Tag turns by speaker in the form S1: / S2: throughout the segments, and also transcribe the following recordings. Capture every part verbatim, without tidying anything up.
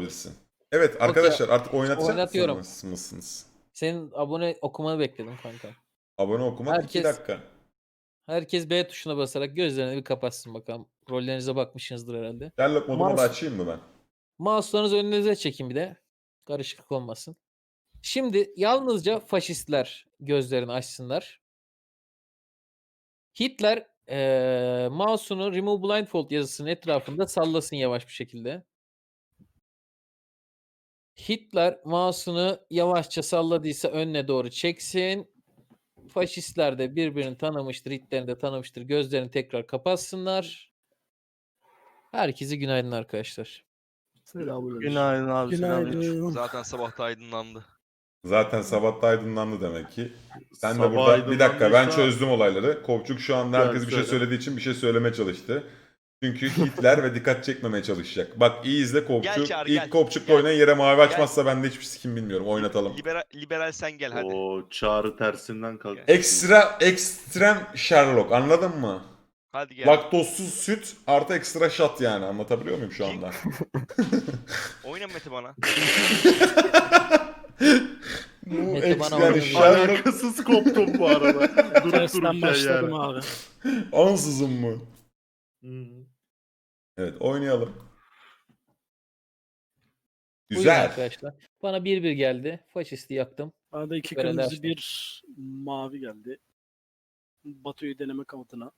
S1: olabilirsin. Evet
S2: Okey.
S1: arkadaşlar artık oynatacak
S2: Oynatıyorum.
S1: mısınız? mısınız?
S2: Senin abone okumanı bekledim kanka.
S1: Abone okumak iki
S2: Herkes
S1: dakika.
S2: herkes B tuşuna basarak gözlerini bir kapatsın bakalım. Rollerinize bakmışsınızdır herhalde.
S1: Sherlock modumu da
S2: Mouse,
S1: açayım mı ben?
S2: mouse'larınızı önünüze çekin bir de. Karışıklık olmasın. Şimdi yalnızca faşistler gözlerini açsınlar. Hitler eee mouse'unu Remove Blindfold yazısının etrafında sallasın yavaş bir şekilde. Hitler mouse'unu yavaşça salladıysa önüne doğru çeksin. Faşistler de birbirini tanımıştır, Hitler'i de tanımıştır. Gözlerini tekrar kapatsınlar. Herkese günaydın arkadaşlar.
S3: Selamünaleyküm.
S4: Günaydın abi.
S3: Günaydın.
S5: Zaten sabah da aydınlandı.
S1: Zaten sabah da aydınlandı demek ki. Sen de
S6: Sabah
S1: burada bir dakika ben
S6: aydınlandıysa-
S1: çözdüm olayları. Kovçuk şu anda
S6: Gel
S1: herkes bir şey
S6: söyle.
S1: söylediği için bir şey söylemeye çalıştı. Çünkü Hitler ve dikkat çekmemeye çalışacak. Bak iyi izle
S5: Gel
S1: Kovçuk.
S5: Çağrı,
S1: İlk
S5: gel.
S1: Kovçuk'la
S5: Gel.
S1: oynayan yere mavi açmazsa ben de hiçbir sikim bilmiyorum. Oynatalım.
S5: Liberal, liberal sen gel hadi.
S6: O çağrı tersinden kalk.
S1: Ekstra ekstrem Sherlock anladın mı?
S5: Hadi gel.
S1: Laktozsuz süt artı ekstra shot yani anlatabiliyor muyum şu anda?
S5: Oyna Mete bana.
S1: Bu
S2: Mete bana
S1: eks- yani
S2: oynadı.
S1: Sherlock
S6: Alakasız koptum bu arada. Durup
S3: Tersten
S6: dururken
S3: başladım
S6: yani.
S3: abi.
S1: ansızın mı?
S6: Hı.
S1: Evet oynayalım.
S2: Buyurun
S1: Güzel.
S2: arkadaşlar. Bana bir bir geldi. Faşisti yaktım.
S3: Bana da iki
S2: Böyle
S3: kırmızı
S2: dersin.
S3: bir mavi geldi. Batu'yu deneme kamutuna.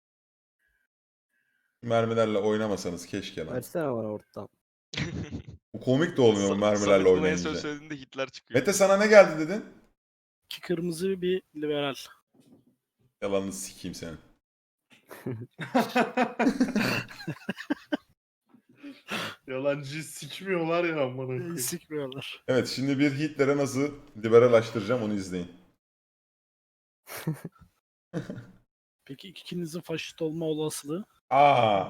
S1: Mermilerle oynamasanız keşke lan.
S7: Versene bana ortadan.
S1: Bu komik de olmuyor mu
S5: Sa-
S1: mermilerle
S5: Samet buna en
S1: oynayınca.
S5: son söylediğinde Hitler çıkıyor.
S1: Mete sana ne geldi dedin?
S3: İki kırmızı bir liberal.
S1: Yalanını sikeyim senin.
S6: Yalancıyı sikmiyorlar ya amına koyayım.
S3: Sikmiyorlar.
S1: Evet şimdi bir Hitler'e nasıl liberalaştıracağım onu izleyin.
S3: Peki ikinizin faşist olma olasılığı?
S1: Aa,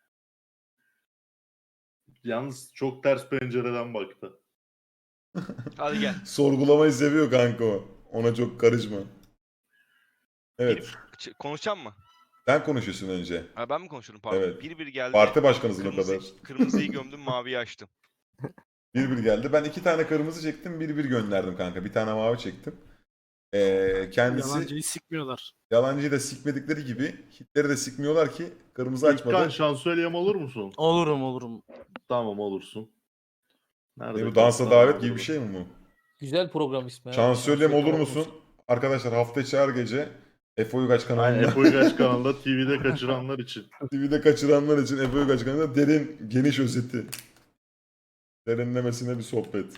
S6: Yalnız çok ters pencereden baktı.
S5: Hadi gel.
S1: sorgulamayı seviyor kanka o. Ona çok karışma. Evet.
S5: Ç- Konuşacağım mı?
S1: Sen konuşuyorsun önce.
S5: Ha, ben mi konuşuyorum pardon.
S1: Evet.
S5: Bir bir geldi.
S1: Parti başkanısın o
S5: Kırmızı,
S1: kadar.
S5: kırmızıyı gömdüm maviyi açtım.
S1: Bir bir geldi. Ben iki tane kırmızı çektim. Bir bir gönderdim kanka. Bir tane mavi çektim. Ee, kendisi
S3: Yalancıyı sikmiyorlar.
S1: yalancıyı da sikmedikleri gibi Hitler'i de sikmiyorlar ki kırmızı
S6: İlkan
S1: açmadı.
S6: şansölyem olur musun?
S4: Olurum olurum.
S6: Tamam olursun. Nerede
S1: Ne bu dansa
S6: kalsın
S1: davet
S6: abi
S1: gibi bir
S6: burada?
S1: şey mi bu?
S2: Güzel program ismi. ha.
S1: Şansölyem olur
S2: Şansölye
S1: musun? Arkadaşlar hafta içi her gece Efe Uygaç
S6: Aynen
S1: kanalında
S6: Efe Uygaç kanalında T V'de kaçıranlar için.
S1: T V'de kaçıranlar için Efe Uygaç kanalında derin geniş özeti. Derinlemesine bir sohbet.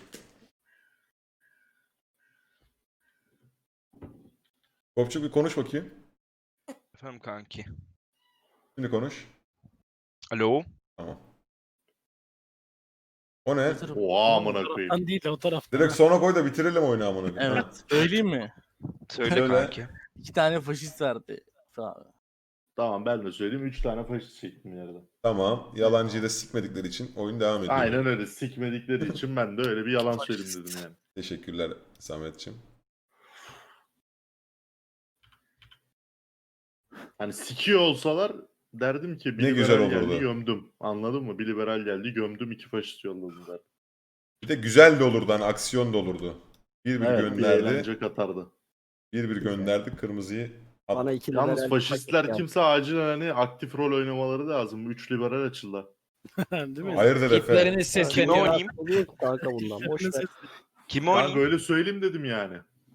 S1: Kopçuk bir konuş bakayım.
S5: Efendim kanki.
S1: Şimdi konuş.
S5: Alo.
S1: Tamam. O ne?
S6: Oha amına
S3: O
S6: koyayım.
S3: taraftan değil o taraftan.
S1: Direkt sona koy da bitirelim oyunu amına koyayım.
S4: Evet. Söyleyeyim mi?
S5: Söyle
S1: Söyle.
S5: kanki.
S4: İki tane faşist verdi. Abi.
S6: Tamam ben de söyleyeyim. Üç tane faşist çektim yerden.
S1: Tamam. Yalancıyı da sikmedikleri için oyun devam ediyor.
S6: Aynen öyle. Sikmedikleri için ben de öyle bir yalan söyleyeyim dedim yani.
S1: Teşekkürler Samet'ciğim.
S6: Hani sikiyor olsalar derdim ki bir
S1: Ne
S6: liberal
S1: güzel
S6: geldi
S1: olurdu.
S6: gömdüm. Anladın mı? Bir liberal geldi gömdüm, iki faşist yolladım derdim.
S1: Bir de güzel de olurdu hani aksiyon da olurdu. Bir bir
S6: Evet, bir
S1: gönderdi.
S6: eğlence katardı.
S1: Bir bir gönderdi kırmızıyı. At.
S7: Bana iki
S6: Yalnız
S7: liberal
S6: faşistler
S7: paket
S6: kimse acilen hani aktif rol oynamaları lazım. Üç liberal açıldı.
S3: Değil mi?
S1: Hayırdır Efe?
S2: Hitler'iniz
S5: Kime
S2: sesleniyor.
S5: oynayayım?
S7: yap. Oluyor ki kanka bundan. Boş ver.
S5: Kimi
S6: Ben
S5: oynayayım?
S6: böyle söyleyeyim dedim yani.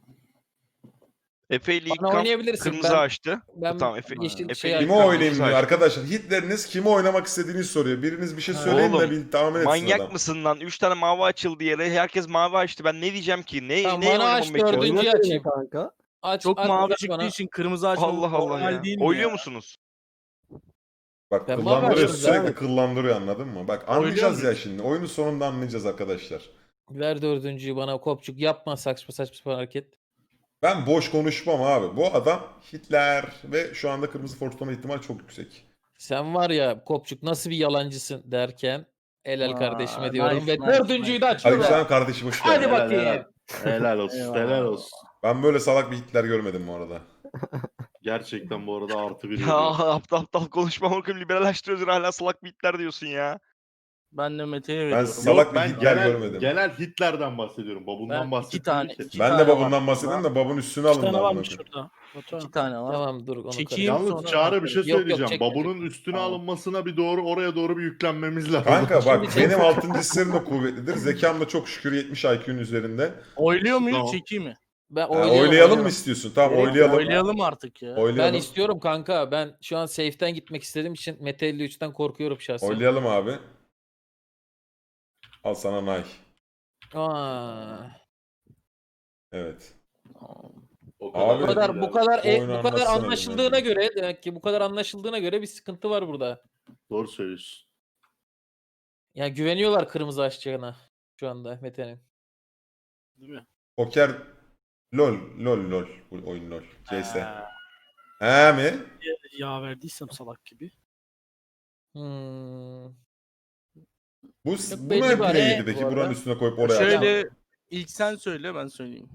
S5: Efe ile ilk
S2: Bana
S5: kamp
S2: oynayabilirsin.
S5: kırmızı
S2: Ben-
S5: açtı.
S2: Ben
S5: Tamam, Efe-
S2: yeşil
S5: Efe
S2: şey
S5: ile
S1: Kime
S5: Kırmızı
S1: oynayayım diyor
S5: açtı.
S1: arkadaşlar. Hitleriniz kime oynamak istediğini soruyor. Biriniz bir şey söyleyin
S5: Oğlum,
S1: de bir tahmin etsin
S5: Manyak
S1: adam.
S5: mısın lan? Üç tane mavi açıldı yere. Herkes mavi açtı. Ben ne diyeceğim ki? Ne,
S2: Tamam,
S5: ne
S2: bana
S5: oynamamı
S2: aç,
S5: bekliyorsun?
S2: dördüncü-
S7: Oyna
S2: açayım.
S7: kanka.
S2: Aç,
S4: Çok
S2: aç,
S4: mavi
S2: aç
S4: çıktığı
S2: bana.
S4: için kırmızı açmamız
S5: Allah Allah
S4: normal
S5: ya.
S4: değil mi
S5: Oyluyor
S4: ya?
S5: musunuz?
S1: Bak
S2: Ben
S1: kıllandırıyor
S2: bakmadım
S1: sürekli
S2: zaten.
S1: kıllandırıyor anladın mı? Bak
S4: Oynuyor
S1: anlayacağız ya
S4: muyuz?
S1: şimdi. Oyunun sonunda anlayacağız arkadaşlar.
S2: Ver dördüncüyü bana Kopçuk. Yapma saçma saçma sapan hareket.
S1: Ben boş konuşmam abi. Bu adam Hitler ve şu anda kırmızı forçlama ihtimali çok yüksek.
S2: Sen var ya Kopçuk nasıl bir yalancısın derken helal
S4: Aa,
S2: kardeşime diyorum
S4: nice,
S2: ve
S4: nice,
S2: dördüncüyü de
S4: nice.
S2: açıyorum.
S1: Aleykümselam kardeşim hoş geldin.
S2: Hadi
S6: Helal,
S2: bakayım.
S6: helal. Helal olsun,
S4: Eyvallah.
S6: helal olsun.
S1: Ben böyle salak bir Hitler görmedim bu arada.
S6: Gerçekten bu arada artı bir
S5: Ya
S6: veriyor.
S5: aptal aptal konuşma bakayım liberalleştiriyorsun hala salak bitler diyorsun ya.
S4: Ben de Mete'ye
S1: Ben
S4: veriyorum.
S1: salak bir
S6: ben
S1: Hitler
S6: genel,
S1: görmedim.
S6: genel Hitler'den bahsediyorum.
S4: Ben
S6: Babundan
S4: iki
S6: bahsetmiyorum
S4: tane-
S6: ki.
S4: iki
S1: Ben de
S4: tane var
S1: babundan
S4: burada.
S1: bahsedeyim de babun üstüne
S3: İki
S1: alındı.
S3: tane
S1: amına
S3: varmış
S1: koyayım.
S3: şurada. Batuhan.
S4: İki tane var.
S2: Tamam dur onu
S4: Çekeyim.
S2: karıştır.
S6: Yalnız
S4: sonra
S6: Çağrı bir şey
S2: Yok, yok,
S6: söyleyeceğim.
S2: çekme,
S6: Babunun
S2: çekme.
S6: üstüne
S2: Tamam.
S6: alınmasına bir doğru oraya doğru bir yüklenmemiz lazım.
S1: Kanka bak
S2: Şimdi
S1: benim altıncı hislerim de kuvvetlidir. Zekam da çok şükür yetmiş I Q'nun üzerinde.
S4: Oyluyor muyuz?
S6: Tamam.
S4: Çekeyim mi?
S2: Ben
S1: Ha,
S2: oylayalım,
S1: oylayalım
S2: oylayalım.
S1: mı istiyorsun? Tamam
S7: Direkt
S1: oylayalım.
S4: Oylayalım artık ya.
S2: Ben
S1: Oylayalım.
S2: istiyorum kanka. Ben şu an safe'ten gitmek istediğim için Mete elli üçten korkuyorum şahsen.
S1: Oylayalım abi. Al sana Nay.
S2: Aa.
S1: Evet.
S6: O
S1: Abi,
S2: Bu kadar bu kadar e,
S1: oyunu
S2: bu kadar
S1: anlatsana
S2: anlaşıldığına
S1: biraz.
S2: göre demek ki bu kadar anlaşıldığına göre bir sıkıntı var burada.
S6: Doğru söylüyorsun.
S2: Ya güveniyorlar kırmızı açacağına şu anda Mete'nin.
S3: Değil mi?
S1: Poker LOL LOL LOL bu oyun LOL. C S.
S3: Ha,
S1: He mi?
S3: yağ verdiysem salak gibi.
S2: Hmm.
S1: Bu
S2: Yok,
S1: bu
S2: belli
S1: ne
S2: var,
S1: play'iydi
S2: he,
S1: peki?
S2: bu
S1: Buranın
S2: arada.
S1: üstüne koyup oraya
S4: Şöyle
S1: atacağım.
S4: ilk sen söyle ben söyleyeyim.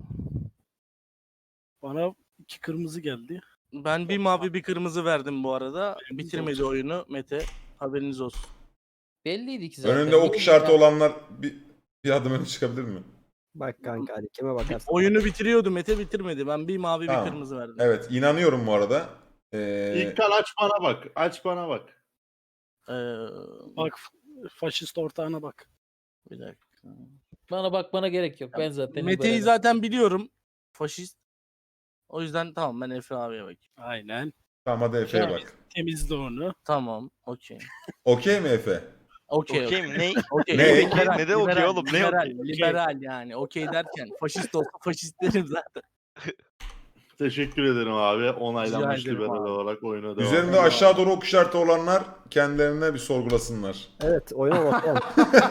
S3: Bana iki kırmızı geldi.
S4: Ben bir mavi bir kırmızı verdim bu arada.
S3: Haberiniz
S4: Bitirmedi
S3: olsun.
S4: oyunu Mete. Haberiniz olsun.
S2: Belliydi ki zaten.
S1: Önünde ok
S2: Bilmiyorum
S1: işareti
S2: ya.
S1: olanlar bir, bir adım öne çıkabilir mi?
S7: Bak kanka hadi kime bakarsın.
S4: Oyunu bitiriyordu Mete bitirmedi. Ben bir mavi
S1: Tamam.
S4: bir kırmızı verdim.
S1: Evet inanıyorum bu arada. Ee,
S6: İlkan aç bana bak. Aç bana bak.
S4: Ee,
S3: Bak f- faşist ortağına bak.
S4: bir dakika.
S2: Bana bakmana gerek yok. Ben zaten
S4: Mete'yi
S2: liberalim.
S4: zaten biliyorum. Faşist. O yüzden tamam ben Efe abiye bakayım.
S3: Aynen.
S1: tamam hadi Efe'ye
S2: Tamam.
S1: bak.
S3: Temizle onu.
S4: Tamam. Okey.
S1: Okey mi Efe?
S4: Okey.
S5: Okey mi? Ne?
S4: Okey.
S1: Ne?
S4: Liberal,
S5: Ne de okey
S4: liberal,
S5: oğlum, ne
S4: liberal,
S5: okey?
S4: liberal yani. Okey derken faşist olsa faşist derim zaten.
S6: Teşekkür ederim abi. Onaylanmış
S4: Rica ederim
S6: liberal
S4: abi.
S6: olarak oyuna devam.
S1: Üzerinde aşağı doğru ok işareti olanlar kendilerine bir sorgulasınlar.
S7: Evet oyuna bakalım.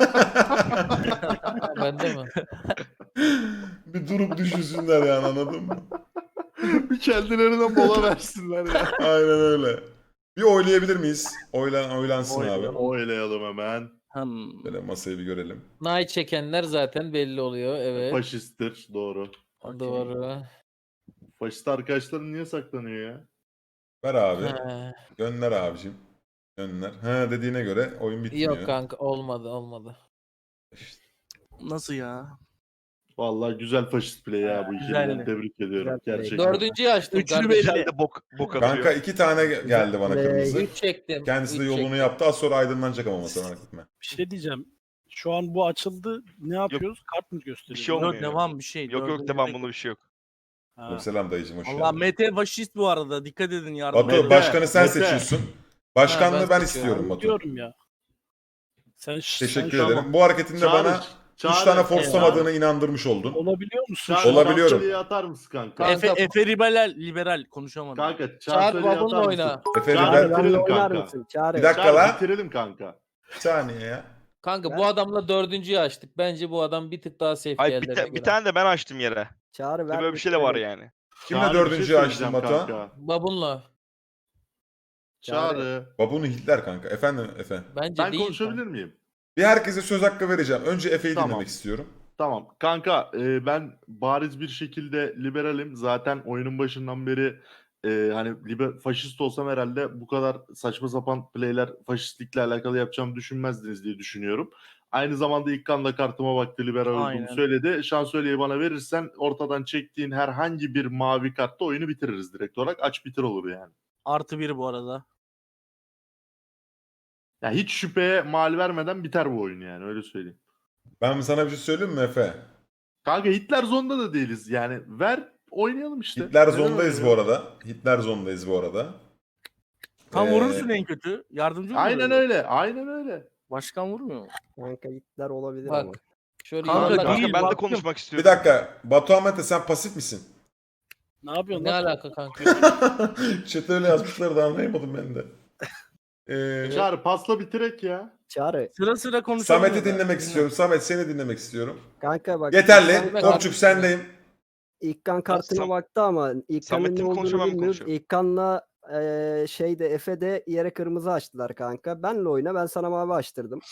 S2: Bende mi?
S1: bir durup düşünsünler yani anladın mı?
S6: bir kendilerine mola versinler ya.
S1: Aynen öyle. Bir oylayabilir miyiz? Oylan, oylansın abi.
S6: Oylayalım hemen.
S4: Hmm.
S1: Böyle masayı bir görelim.
S2: Nay çekenler zaten belli oluyor. Evet.
S6: Faşisttir. Doğru.
S2: Doğru.
S6: Faşist arkadaşların niye saklanıyor ya?
S1: Ver abi.
S2: Ha.
S1: Gönder abicim. Gönder. Ha dediğine göre oyun bitmiyor.
S2: Yok kanka olmadı olmadı.
S1: İşte.
S4: Nasıl ya?
S6: Vallahi güzel faşist play ya bu ikiliden
S4: Güzeldi.
S6: tebrik ediyorum.
S7: Güzel play.
S6: Gerçekten.
S2: Dördüncüyü açtım
S4: Üçlü
S2: kardeşim.
S4: belli.
S5: Sen de bok, bok atıyor.
S1: Kanka iki tane ge- geldi bana
S7: Play.
S1: kırmızı.
S2: Üç çektim.
S1: Kendisi de
S2: üç
S1: yolunu
S2: çektim.
S1: yaptı. Az sonra aydınlanacak ama masa merak etme.
S3: Bir şey diyeceğim. Şu an bu açıldı. Ne yapıyoruz? Kart mı gösteriyor?
S5: Bir şey
S4: Yok
S5: olmuyor.
S4: devam bir şey.
S5: Yok yok
S4: Dördüncü
S5: devam
S4: de-
S5: bunda bir şey yok.
S3: Ha.
S1: Selam dayıcım hoş
S4: Allah
S1: geldin.
S4: Mete faşist bu arada. Dikkat edin yardım.
S1: Batu
S6: Mete,
S1: başkanı sen
S6: Mete.
S1: seçiyorsun. Başkanlığı
S2: Ha,
S1: ben,
S2: ben
S1: istiyorum
S2: seçiyorum.
S1: Batu.
S3: Diyorum ya. Sen, ş-
S1: Teşekkür
S3: sen şu an
S1: ederim. Bu hareketinde
S6: Çağrı,
S1: bana
S6: Çağrı,
S1: üç tane
S6: Çağrı,
S1: forslamadığını inandırmış oldun.
S3: olabiliyor musun?
S6: Çağrı,
S3: Şu an?
S1: Olabiliyorum.
S6: Şansölye'yi atar mısın kanka?
S2: Kanka-
S4: Efe, Efe liberal, liberal konuşamadım.
S6: Kanka
S2: Çağır
S6: şansölyeyi
S2: babunla
S6: atar
S2: oyna.
S6: mısın?
S1: Efendim
S6: Çağrı,
S1: ben...
S7: Çağrı benimle
S6: bitirelim
S7: oynar
S6: kanka.
S7: mısın? Çağrı.
S1: Bir dakika
S6: Çağrı
S1: lan.
S6: bitirelim kanka.
S1: Bir saniye ya.
S2: Kanka
S7: Ben-
S2: bu adamla dördüncüyü açtık. Bence bu adam bir tık daha safe
S5: Ay bir,
S2: diğerlerine
S5: ta- bir
S2: göre.
S5: tane de ben açtım yere.
S7: Çağrı ver.
S5: Böyle bir şey de var
S7: bitirelim.
S5: yani.
S1: Kimle
S6: Çağrı, bir şey
S1: dördüncüyü açtın
S6: söyleyeceğim
S1: Batuhan?
S6: kanka.
S2: Babunla.
S6: Çağrı.
S1: Babunu Hitler kanka. Efendim Efe.
S2: Bence
S6: Ben
S2: değil.
S6: konuşabilir miyim?
S1: Bir herkese söz hakkı vereceğim. Önce Efe'yi
S6: Tamam.
S1: dinlemek istiyorum.
S6: Tamam. Kanka e, ben bariz bir şekilde liberalim. Zaten oyunun başından beri e, hani liber, faşist olsam herhalde bu kadar saçma sapan playler faşistlikle alakalı yapacağımı düşünmezdiniz diye düşünüyorum. Aynı zamanda ilk kan da kartıma baktı, liberal
S4: Aynen.
S6: olduğumu söyledi. Şansölyeyi bana verirsen ortadan çektiğin herhangi bir mavi kartta oyunu bitiririz direkt olarak. Aç bitir olur yani.
S4: Artı bir bu arada.
S6: Ya hiç şüpheye mal vermeden biter bu oyun yani öyle söyleyeyim.
S1: Ben sana bir şey söyleyeyim mi Efe?
S6: Kanka Hitler zonda da değiliz yani. Ver oynayalım işte.
S1: Hitler
S6: Neden
S1: zondayız bu
S6: oynayalım?
S1: arada. Hitler zondayız bu arada.
S4: Tam
S1: Ee,
S4: vurursun en kötü. Yardımcı mı
S6: Aynen
S4: oluyor?
S6: öyle. Aynen öyle.
S4: Başkan vurmuyor mu?
S7: Kanka Hitler olabilir
S2: Bak.
S7: ama.
S2: Şöyle
S4: Kanka
S2: yuvarlak-
S5: Kanka
S4: değil,
S5: ben de
S4: baktım.
S5: konuşmak
S1: Bir
S5: istiyorum.
S1: dakika. Batuhan Mete sen pasif misin?
S3: Ne yapıyorsun
S2: Ne
S3: lan?
S2: alaka kanka?
S1: Chat'e öyle yazmışlar da anlayamadım ben de. Ee,
S6: Çağrı pasla bitirek ya.
S7: Çağrı.
S4: Sıra sıra konuşalım.
S1: Samet'i dinlemek istiyorum. Samet seni dinlemek istiyorum.
S7: Kanka bak.
S1: Yeterli.
S7: İlkan-
S1: Topçuk sendeyim.
S7: İlkan kartına
S5: Sam-
S7: baktı ama İlkan'ın
S5: Samet'in
S7: ne olduğunu
S5: konuşamam,
S7: bilmiyoruz.
S5: konuşuyor.
S7: İlkan'la eee şey de Efe de yere kırmızı açtılar kanka. Benle oyna ben sana mavi açtırdım.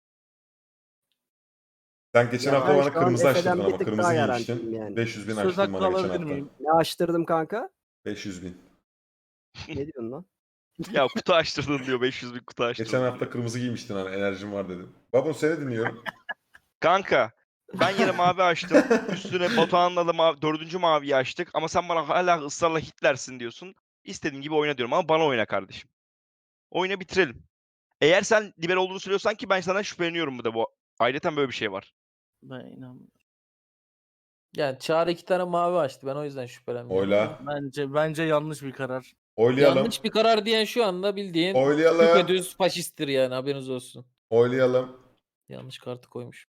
S1: Sen geçen
S7: Ya
S1: hafta
S7: ben
S1: bana
S7: şu an
S1: kırmızı
S7: Efe'den
S1: açtırdın
S7: bir
S1: ama
S7: tık
S1: kırmızı
S7: daha
S1: giymiştin.
S7: garantiyim yani.
S1: beş yüz bin
S4: Söz
S1: açtın
S4: hakkı
S1: bana geçen
S4: alabilir
S1: hafta.
S4: miyim?
S7: Ne açtırdım kanka?
S1: beş yüz bin.
S7: Ne diyorsun lan?
S5: Ya kutu açtırdın diyor, beş yüz bin kutu açtırdın.
S1: Geçen hafta
S5: diyor.
S1: kırmızı giymiştin hani enerjim var dedim. Babun seni dinliyorum.
S5: Kanka ben yine mavi açtım. Üstüne Batuhan'la da mavi, dördüncü maviyi açtık. Ama sen bana hala ısrarla Hitler'sin diyorsun. İstediğin gibi oyna diyorum ama bana oyna kardeşim. Oyuna bitirelim. Eğer sen liber olduğunu söylüyorsan ki ben sana şüpheleniyorum bu da bu. Ayrıca böyle bir şey var.
S4: Ben inanmıyorum.
S2: Yani Çağrı iki tane mavi açtı. Ben o yüzden şüphelenmiyorum.
S1: Oyla.
S4: Bence bence yanlış bir karar.
S1: Oylayalım.
S2: Yanlış bir karar diyen şu anda bildiğin
S1: Oylayalım.
S2: düpedüz faşisttir yani, haberiniz olsun.
S1: Oylayalım.
S2: Yanlış kartı koymuş.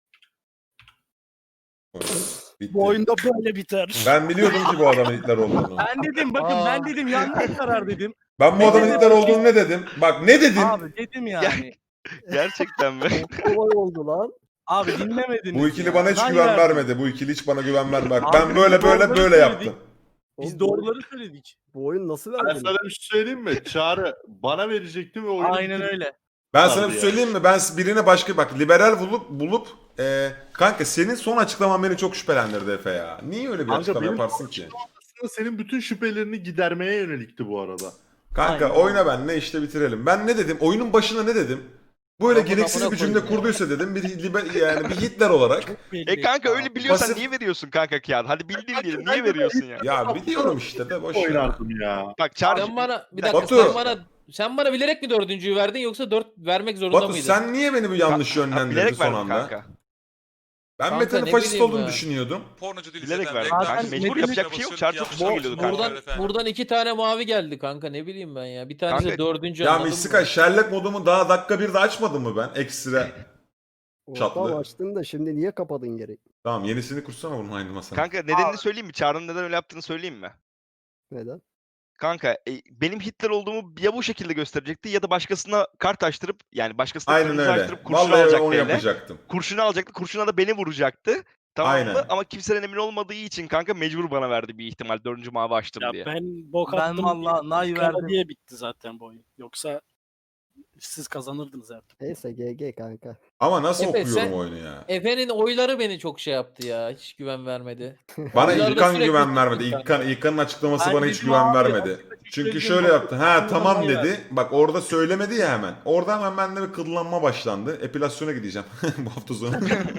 S1: Bitti.
S3: Bu oyunda böyle biter.
S1: Ben biliyordum ki bu adamın Hitler olduğunu.
S4: Ben dedim bakın
S2: Aa.
S4: ben dedim yanlış karar dedim.
S1: Ben bu adamın Hitler olduğunu ne dedim? Bak ne dedim?
S4: Abi dedim yani.
S5: Gerçekten mi?
S7: Olay oldu lan.
S4: Abi dinlemediniz.
S1: Bu ikili
S4: ya.
S1: bana hiç
S4: Ray
S1: güven
S4: verdim.
S1: vermedi. Bu ikili hiç bana güven vermedi. Bak
S4: Abi
S1: ben
S4: biz
S1: böyle böyle
S4: doğruları
S1: böyle
S4: söyledik.
S1: yaptım.
S4: Biz
S7: Oğlum,
S4: doğruları söyledik.
S7: Bu oyun nasıl
S6: Ben
S7: verdin?
S6: sana bir şey söyleyeyim mi? Çağrı bana verecekti ve oyunu
S4: Aynen
S6: bitirip-
S4: öyle.
S1: Ben
S6: Abi
S1: sana bir
S6: ya.
S1: söyleyeyim mi? Ben birine başka bak liberal bulup bulup e, kanka senin son açıklaman beni çok şüphelendirdi Efe ya. Niye öyle bir
S6: Kanka
S1: açıklama
S6: benim
S1: yaparsın ki?
S6: Aslında senin bütün şüphelerini gidermeye yönelikti bu arada.
S1: Kanka
S4: Aynen.
S1: oyna benle işte bitirelim. Ben ne dedim? Oyunun başına ne dedim? Böyle
S2: Amına
S1: gereksiz bir cümle
S2: koyayım ya.
S1: kurduysa dedim bir liber, yani bir Hitler olarak.
S5: E kanka öyle biliyorsan
S1: Pasif-
S5: niye veriyorsun kanka kağıt? Hadi bildiğin diyelim. Niye veriyorsun ya?
S1: Ya biliyorum işte de boş ver.
S6: Oynardım ya.
S5: Bak Çağrı
S2: Sen bana bir
S5: Batu.
S2: dakika sen bana sen bana bilerek mi dördüncüyü verdin yoksa dört vermek zorunda
S1: Batu
S2: mıydın?
S1: sen niye beni bu yanlış
S5: Ha,
S1: yönlendirdin
S5: bilerek
S1: son
S5: verdim
S1: anda?
S5: kanka.
S1: Ben
S2: Kanka,
S1: Mete'nin
S2: ne
S1: faşist
S2: bileyim
S1: olduğunu
S2: ya.
S1: düşünüyordum.
S8: Pornocu değil
S5: Bilerek
S8: zaten.
S5: verdim.
S8: Reklam
S4: Kanka,
S8: yüzünden
S5: mecbur
S8: basıyorsun
S5: yapacak bir şey yok. Çağrı çok
S8: yanlış
S5: güzel geliyordu
S8: anlaşılmalar
S5: kanka.
S8: var efendim.
S2: Buradan iki tane mavi geldi kanka, ne bileyim ben ya. Bir tanesi
S5: Kanka-
S2: dördüncü,
S1: Ya
S2: anladın
S1: Mistika
S2: mı?
S1: Sherlock modumu daha dakika birde açmadım mı ben? Ekstra. Çatlı.
S7: Ortam açtın da şimdi niye kapadın geri?
S1: Tamam yenisini kursana bunun aynı masana.
S5: Kanka nedenini söyleyeyim mi? Çağrı'nın neden öyle yaptığını söyleyeyim mi?
S7: Neden?
S5: Kanka e, benim Hitler olduğumu ya bu şekilde gösterecekti ya da başkasına kart açtırıp yani başkasına
S1: Aynen
S5: kırmızı
S1: öyle.
S5: açtırıp kurşun
S1: Vallahi
S5: alacaktı
S1: onu
S5: eline.
S1: yapacaktım.
S5: Kurşunu alacaktı. Kurşuna da beni vuracaktı. Tamam mı?
S1: Aynen.
S5: Ama kimsenin emin olmadığı için kanka mecbur bana verdi bir ihtimal. Dördüncü mavi açtım
S3: Ya
S5: diye.
S3: ben bok
S4: Ben
S3: attım
S4: valla
S3: diye,
S4: nay
S3: kara
S4: verdim.
S3: diye bitti zaten bu oyun. Yoksa siz kazanırdınız her türlü.
S7: Neyse G G kanka.
S1: Ama nasıl
S2: Efe,
S1: okuyorum
S2: sen-
S1: oyunu ya?
S2: Efe'nin oyları beni çok şey yaptı ya. Hiç güven vermedi.
S1: Bana
S2: Oylarda
S1: İlkan
S2: sürekli
S1: güven vermedi.
S2: İlkan.
S1: İlkan, İlkan'ın açıklaması
S4: Ben
S1: bana hiç
S4: dedim
S1: güven
S4: abi,
S1: vermedi.
S4: açık açık
S1: Çünkü
S4: söyleyeyim
S1: şöyle
S4: bak,
S1: yaptı. Ha
S4: aklımda
S1: tamam
S4: nay
S1: dedi.
S4: verdim.
S1: Bak orada söylemedi ya hemen. Orada hemen bende bir kıllanma başlandı. Epilasyona gideceğim bu hafta sonu.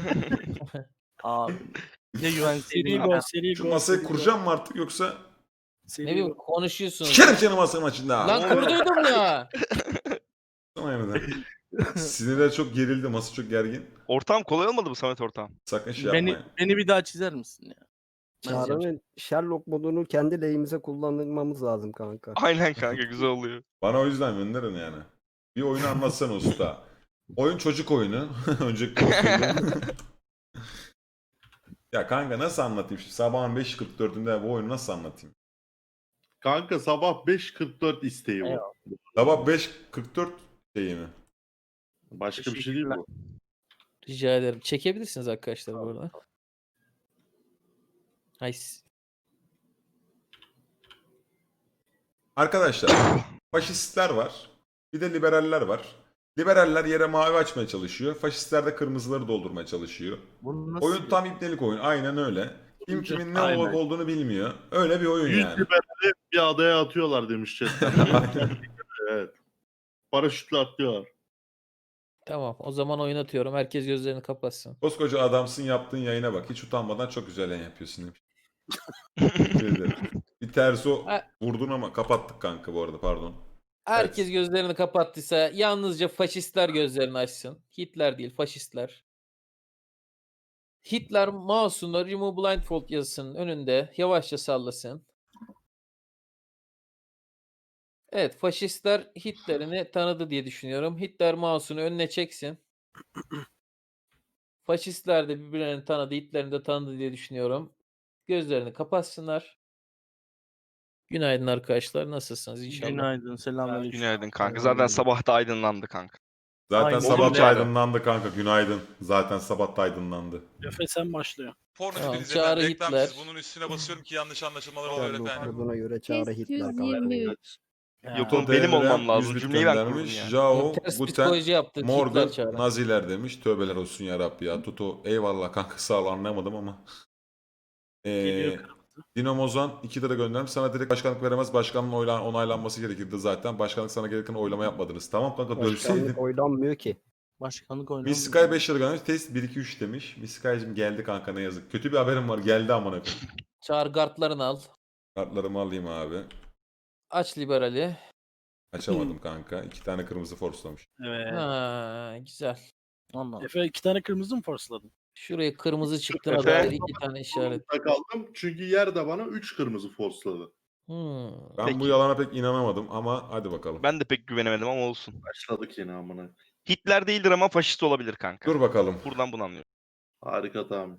S4: Abi. Ya güvenseydin
S3: Seri
S4: ya.
S3: gol, seri
S1: Şu
S3: gol.
S1: masayı
S3: seri
S1: kuracağım mı artık yoksa?
S3: gol, seri
S2: Ne bileyim
S3: gol.
S2: konuşuyorsunuz.
S1: Sikerim seni masanın açında.
S2: Lan kurduydum ya.
S1: Sana yeniden. Sinirler çok gerildi. Masa çok gergin.
S5: Ortam kolay olmadı mı Samet ortam?
S1: Sakın şey
S4: Beni,
S1: yapmayın.
S4: beni bir daha çizer misin ya?
S7: Çağrı'nın Sherlock modunu kendi lehimize kullanmamız lazım kanka.
S5: Aynen kanka güzel oluyor.
S1: Bana o yüzden gönderin yani. Bir oyunu anlatsana usta. Oyun çocuk oyunu. Önceki konuştuğum. Ya kanka nasıl anlatayım şimdi? Sabahın beş kırk dördünde bu oyunu nasıl anlatayım?
S6: Kanka sabah beş kırk dört isteği bu.
S4: Eyvallah.
S1: Sabah beş kırk dört şeyi mi?
S6: Başka bir şey değil bu.
S2: Rica ederim. Çekebilirsiniz arkadaşlar bu arada. Nice.
S1: Arkadaşlar faşistler var. Bir de liberaller var. Liberaller yere mavi açmaya çalışıyor. Faşistler de kırmızıları doldurmaya çalışıyor.
S4: Bunu nasıl
S1: Oyun tam ipnelik oyun. Aynen öyle. Kim kimin ne
S6: Aynen.
S1: olup olduğunu bilmiyor. Öyle bir oyun
S6: yüz
S1: yani.
S6: liberali bir adaya atıyorlar demiş chatten. Evet. Paraşütle atlıyorlar.
S2: Tamam, o zaman oynatıyorum. Herkes gözlerini kapatsın.
S1: Koskoca adamsın yaptığın yayına bak. Hiç utanmadan çok güzel yayın yapıyorsun demiş. Teşekkür ederim. Bir terso
S2: Ha.
S1: vurdun ama kapattık kanka bu arada pardon.
S2: Herkes
S1: Evet.
S2: gözlerini kapattıysa yalnızca faşistler gözlerini açsın. Hitler değil, faşistler. Hitler mouse'unu Remove Blindfold yazısının önünde yavaşça sallasın. Evet, faşistler Hitler'ini tanıdı diye düşünüyorum. Hitler mouse'unu önüne çeksin. Faşistler de birbirlerini tanıdı, Hitler'ini de tanıdı diye düşünüyorum. Gözlerini kapatsınlar. Günaydın arkadaşlar, nasılsınız inşallah?
S4: Günaydın, selamünaleyküm.
S5: Günaydın kanka. Zaten sabah da aydınlandı kanka.
S1: Zaten
S4: Aynen.
S1: sabah
S5: Olunca-
S1: da aydınlandı kanka. Günaydın. Zaten sabah da aydınlandı.
S3: Efe sen başlıyor.
S8: Pornocu
S2: Tamam,
S8: değil
S2: Çağrı
S8: zaten. Reklam
S2: Hitler.
S8: siz bunun üstüne basıyorum ki yanlış anlaşılmalar oluyor
S7: Sherlock
S8: efendim.
S7: moduna göre Çağrı
S9: Test
S7: Hitler
S9: yüz
S7: kanka.
S9: yirmi üç.
S5: Yok oğlum benim
S1: Devrem
S5: olmam lazım.
S1: yüz bit
S5: Cümleyi ben
S1: göndermiş.
S5: kurdum ya.
S1: Jao,
S2: Ters
S1: Guten,
S2: psikoloji yaptık Hitler
S1: Morgan,
S2: Çağrı.
S1: Naziler demiş. Tövbeler olsun ya Rabbi ya. Tuto eyvallah kanka sağ ol anlamadım ama. Ee,
S3: Geliyor.
S1: Dinamozan iki lira göndermiş. Sana direkt başkanlık veremez. Başkanlığın oyla- onaylanması gerekirdi zaten. Başkanlık sana gereken oylama yapmadınız. Tamam kanka dövseydin.
S7: Başkanlık oylanmıyor ki.
S4: Başkanlık oynamıyor.
S1: Miss Sky beş lira göndermiş. Test bir iki üç demiş. Miss Sky'cım geldi kanka ne yazık. Kötü bir haberim var. Geldi amına koyayım.
S2: Çağır kartlarını al.
S1: Kartlarımı alayım abi.
S2: Aç liberali.
S1: Açamadım kanka. İki tane kırmızı forslamış.
S3: Evet.
S2: Ha, güzel.
S4: Anladım.
S3: Efe iki tane kırmızı mı forceladın?
S2: Şuraya kırmızı çıktığına
S5: Efe.
S2: dair iki tane işaret.
S6: Zorunda kaldım çünkü yer de bana üç kırmızı forsladı.
S2: Hmm.
S1: Ben
S5: Peki.
S1: bu yalana pek inanamadım ama hadi bakalım.
S5: Ben de pek güvenemedim ama olsun.
S6: Başladık yine amına.
S5: Hitler değildir ama faşist olabilir kanka.
S1: Dur bakalım.
S5: Buradan bunu anlıyorum.
S6: Harika tahmin.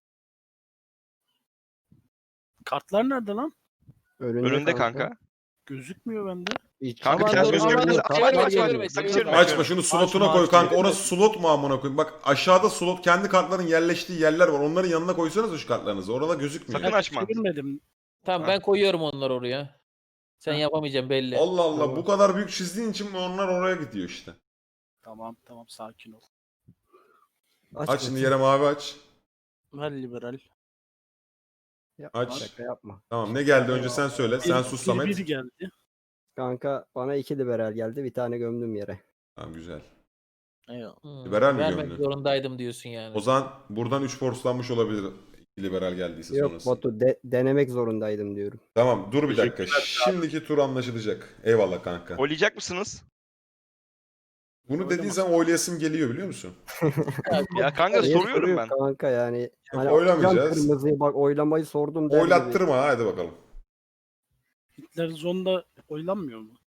S3: Kartlar nerede lan?
S7: Önünde,
S5: Önünde kanka.
S3: Gözükmüyor bende.
S7: Hiç-
S5: Kanka
S2: Aman
S5: biraz
S2: dur,
S5: gözüküyor.
S2: aman
S5: Biraz
S2: dur,
S5: açma,
S2: çevirme,
S5: açma,
S2: çevirme,
S5: açma,
S2: çevirme.
S5: çevirme.
S1: Açma şunu slotuna
S4: Açma,
S1: koy
S4: açma.
S1: kanka. Orası slot mu amına koyayım? Bak aşağıda slot kendi kartların yerleştiği yerler var. Onların yanına koysanız şu kartlarınızı. Orada gözükmüyor.
S5: Sakın açma.
S3: Çevirmedim.
S2: Tamam ben koyuyorum onları oraya. Sen yapamayacaksın belli.
S1: Allah Allah
S7: Tamam.
S1: bu kadar büyük çizdiğin için onlar oraya gidiyor işte.
S3: Tamam tamam sakin ol.
S7: Aç,
S1: Aç şimdi
S7: bakayım.
S1: yere mavi aç.
S4: Ver liberal.
S7: Yapma,
S1: Aç.
S7: şaka yapma.
S1: Tamam ne geldi önce sen söyle. Sen
S3: Bir-
S1: sus
S3: bir-
S1: Samet.
S3: Biri geldi.
S7: Kanka bana iki liberal geldi. Bir tane gömdüm yere.
S1: Tamam güzel.
S4: Eyvallah.
S2: Hmm,
S1: Liberal mi
S2: vermek
S1: gömdün?
S2: zorundaydım diyorsun yani.
S1: O zaman buradan üç forslanmış olabilir. İki liberal geldiyse
S7: Yok
S1: sonrası.
S7: Batu de- denemek zorundaydım diyorum.
S1: Tamam dur bir dakika. Şimdiki tur anlaşılacak. Eyvallah kanka.
S5: Oylayacak mısınız?
S1: Bunu dediğin zaman oylayasım geliyor biliyor musun?
S5: Ya kanka
S7: Niye
S5: soruyorum
S7: soruyor
S5: ben.
S7: Kanka yani. Hani
S1: oylamayacağız.
S7: atacağım kırmızıyı bak oylamayı sordum. der gibi.
S1: Oylattırma ha, hadi bakalım.
S3: Hitler zonda oylanmıyor mu?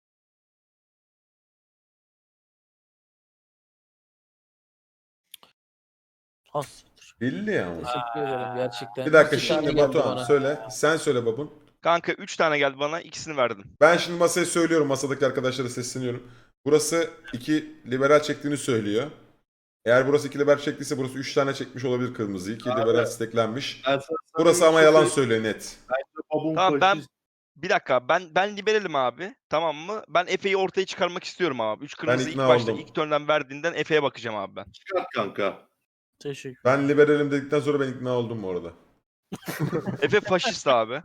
S4: Has.
S1: Belli ya.
S2: Teşekkür ederim gerçekten.
S1: Bir dakika
S2: İki tane
S1: şimdi
S2: geldi
S1: Batuhan
S2: bana.
S1: söyle. Sen söyle babun.
S5: Kanka üç tane geldi bana, ikisini verdim.
S1: Ben şimdi masaya söylüyorum. Masadaki arkadaşlara sesleniyorum. Burası iki liberal çektiğini söylüyor. Eğer burası iki liberal çektiyse burası üç tane çekmiş olabilir kırmızıyı. İki
S6: Abi,
S1: liberal steklenmiş.
S6: Ben sana- sana
S1: Burası
S6: bir
S1: ama
S6: şey
S1: yalan
S6: söyleyeyim.
S1: söylüyor net.
S6: Babun
S5: Tamam, ben-
S6: faşist.
S5: Bir dakika ben ben liberalim abi. Tamam mı? Ben Efe'yi ortaya çıkarmak istiyorum abi. Üç kırmızı ilk
S1: ikna
S5: başta
S1: oldum.
S5: ilk turnden verdiğinden Efe'ye bakacağım abi ben.
S6: Çıkart kanka.
S4: Teşekkür.
S1: Ben liberalim dedikten sonra ben ikna oldum bu arada.
S5: Efe faşist abi.